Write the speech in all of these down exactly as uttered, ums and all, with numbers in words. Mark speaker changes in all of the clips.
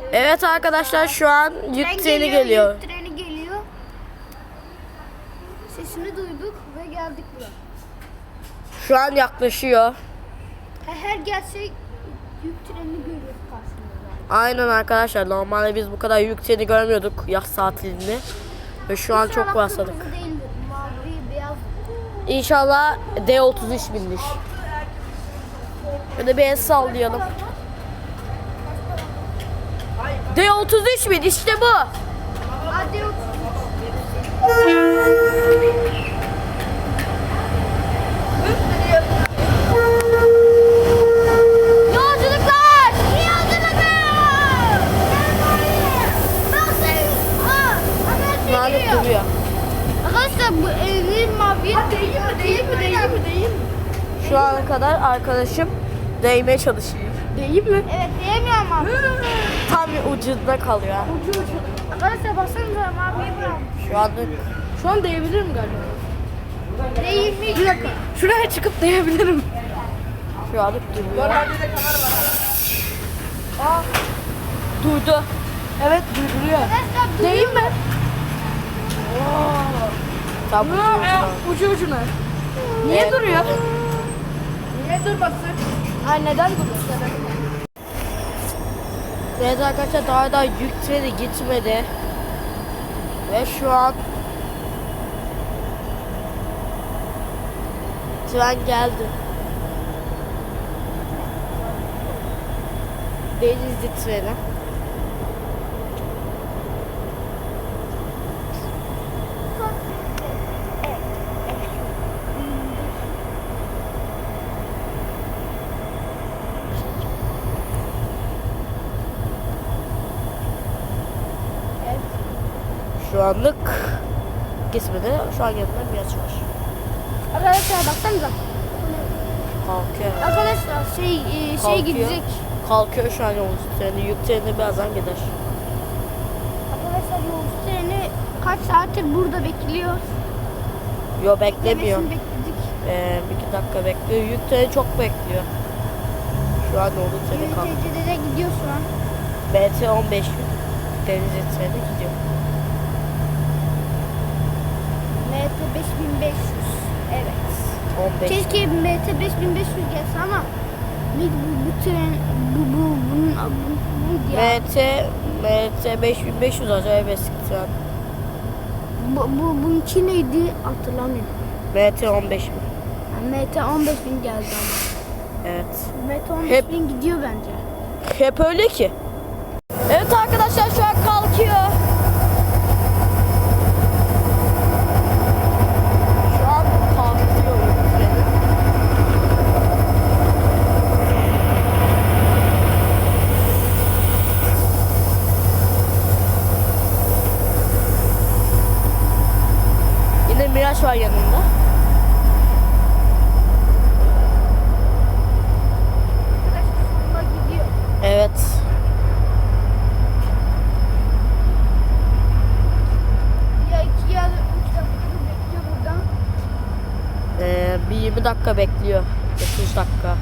Speaker 1: Evet arkadaşlar şu an yük
Speaker 2: Tren
Speaker 1: treni geliyor.
Speaker 2: Yük treni geliyor. Sesini duyduk ve geldik buraya.
Speaker 1: Şu an yaklaşıyor.
Speaker 2: Her gelsek yük trenini görüyoruz karşımızda.
Speaker 1: Aynen arkadaşlar, normalde biz bu kadar yük treni görmüyorduk yaz tatilinde. Ve şu an çok rastladık.
Speaker 2: Kırmızı değildir, mavi, beyaz.
Speaker 1: İnşallah D otuz üç binmiş. Böyle bir el sallayalım. D otuz üç bin işte bu.
Speaker 2: Hadi yok. Yolculuklar! İyi yolculuklar!
Speaker 1: Şu an duruyor.
Speaker 2: Arkadaşlar bu evin mavi. Değil mi? Değil mi? Değil mi? Değil mi?
Speaker 1: Şu ana kadar arkadaşım değmeye çalışıyor.
Speaker 2: Değil mi? Evet değmiyor ama.
Speaker 1: Tam ucunda kalıyor.
Speaker 2: Arkadaşlar baksanıza maviyi bırakmış.
Speaker 1: Şu anda
Speaker 3: Şu an değebilirim galiba.
Speaker 2: Değil mi?
Speaker 3: Bir dakika. Şuraya çıkıp değebilirim.
Speaker 1: şu anda duruyor. Aa, durdu.
Speaker 3: Evet durduruyor.
Speaker 2: Arkadaşlar
Speaker 3: Değil mi?
Speaker 1: Tam ucu ucuna.
Speaker 3: Ucu ucuna. Niye
Speaker 1: Evet.
Speaker 3: duruyor? Niye durmasın? Ay neden duruyor?
Speaker 1: Evet arkadaşlar, daha da yük treni gitmedi. Ve şu an tren geldi. Denizli treni. Şu anlık gitmedi. Şu an yanında bir yaş var.
Speaker 2: Arkadaşlar baksanıza.
Speaker 1: Kalkıyor.
Speaker 2: Arkadaşlar şey e, şey
Speaker 1: Kalkıyor.
Speaker 2: gidecek.
Speaker 1: Kalkıyor şu an yolcu treni. Yük treni birazdan gider.
Speaker 2: Arkadaşlar yolcu treni kaç saattir burada bekliyor.
Speaker 1: Yo, beklemiyor.
Speaker 2: Demesini bekledik.
Speaker 1: Ee, bir iki dakika bekliyor. Yük treni çok bekliyor. Şu an yolcu treni kalktı.
Speaker 2: Y T C'de de gidiyor şu an.
Speaker 1: B T on beş bin. Denizli treni gidiyor.
Speaker 2: M T beş bin beş yüz. Evet.
Speaker 1: on beş.
Speaker 2: Keşke M T beş bin beş yüz gelse ama bu, bu, bu tren bu bu bunun bu, bu ya.
Speaker 1: M T M T beş bin beş yüz acayip eski tren.
Speaker 2: Bu, bu bununki neydi hatırlamıyorum.
Speaker 1: M T on beş bin.
Speaker 2: Yani M T on beş bin geldi ama.
Speaker 1: Evet.
Speaker 2: M T on beş
Speaker 1: Hep-
Speaker 2: bin gidiyor bence.
Speaker 1: Hep öyle ki. Evet arkadaşlar, şu an kalkıyor. Şu an kalkıyor yük treni. Yine Miraç var yanında.
Speaker 2: Arkadaşlar sonuna gidiyor.
Speaker 1: Evet.
Speaker 2: Ya iki ya da üç dakika bekliyor buradan.
Speaker 1: Ee, bir yirmi dakika bekliyor. otuz dakika.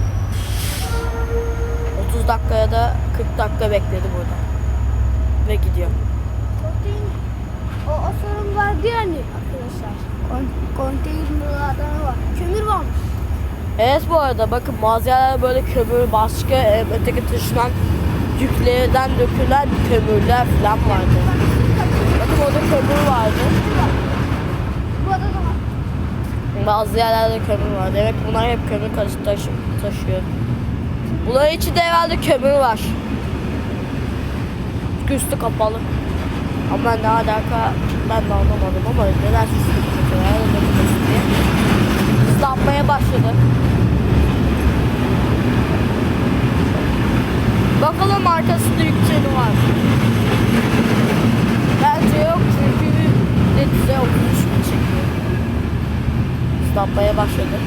Speaker 1: otuz dakikaya da kırk dakika bekledi burada. Ve gidiyor.
Speaker 2: Konteyner. O, o sorun vardı yani arkadaşlar. Kon, konteynerlardan var. Kömür varmış.
Speaker 1: Evet, bu arada bakın malzemeler böyle kömür, başka e, öteki taşınan yüklerden dökülen kömürler falan vardı. Bakın orada kömür vardı.
Speaker 2: Bu adada da var.
Speaker 1: Bazı yerlerde kömür var. Demek bunlar hep kömür taşı, taşı, taşıyor. Bunların içinde herhalde kömür var. Çünkü üstü kapalı. Ama ne alaka ben de anlamadım ama neden üstü kapalı? Herhalde dökülmesi diye. Islanmaya başladı. Bakalım arkasında yük treni var. Bence yok çünkü ne güzel okumuş mu çekiyor. Islanmaya başladı.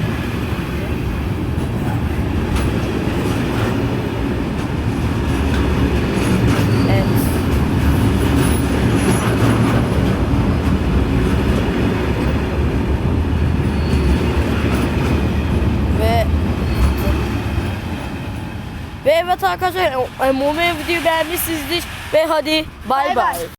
Speaker 1: Evet. Ve Evet arkadaşlar, e, umarım videoyu beğenmişsinizdir ve hadi bay
Speaker 3: Bay bay.
Speaker 1: bay.